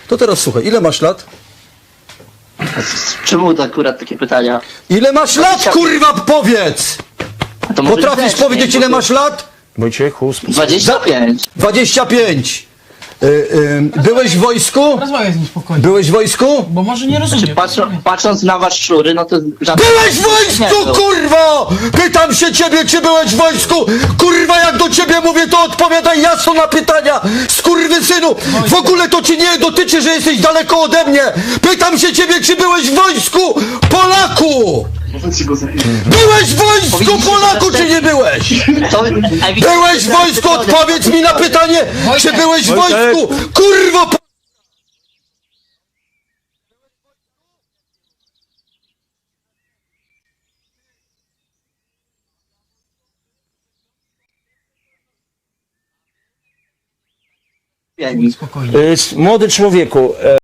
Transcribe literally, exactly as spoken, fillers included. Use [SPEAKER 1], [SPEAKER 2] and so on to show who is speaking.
[SPEAKER 1] To teraz słuchaj, ile masz lat?
[SPEAKER 2] Czemu to akurat takie pytania?
[SPEAKER 1] Ile masz lat, kurwa, powiedz!
[SPEAKER 2] A to może
[SPEAKER 1] Potrafisz
[SPEAKER 2] grzecznie,
[SPEAKER 1] powiedzieć,
[SPEAKER 2] bo
[SPEAKER 1] ile
[SPEAKER 2] to
[SPEAKER 1] masz lat?
[SPEAKER 3] Wojciechu, sp-
[SPEAKER 2] dwadzieścia pięć.
[SPEAKER 1] dwadzieścia pięć. Y, y, byłeś w wojsku?
[SPEAKER 4] Rozmawiaj z nim spokojnie,
[SPEAKER 1] Byłeś w wojsku?
[SPEAKER 4] bo może nie rozumie.
[SPEAKER 2] Czy patrzą, patrząc na was szczury, no to... żadne-
[SPEAKER 1] Byłeś w
[SPEAKER 2] nie
[SPEAKER 1] wojsku,
[SPEAKER 2] był.
[SPEAKER 1] kurwa! Pytam się ciebie, czy byłeś w wojsku? Kurwa, jak do ciebie mówię, to odpowiadaj jasno na pytania! Skurwysynu! W ogóle to ci nie dotyczy, że jesteś daleko ode mnie! Pytam się ciebie, czy byłeś w wojsku? Polaku! Byłeś w wojsku,
[SPEAKER 2] Powinniście
[SPEAKER 1] Polaku, czy
[SPEAKER 2] zostać-
[SPEAKER 1] nie byłeś?
[SPEAKER 2] To ewidentnie
[SPEAKER 1] Byłeś w wojsku,
[SPEAKER 2] zaraz-
[SPEAKER 1] odpowiedz mi na pytanie, czy
[SPEAKER 4] Wojtek,
[SPEAKER 1] byłeś w
[SPEAKER 3] Wojtek.
[SPEAKER 1] wojsku? Kurwo! po-
[SPEAKER 2] Pięć.
[SPEAKER 4] Spokojnie.
[SPEAKER 3] y, s- młody człowieku,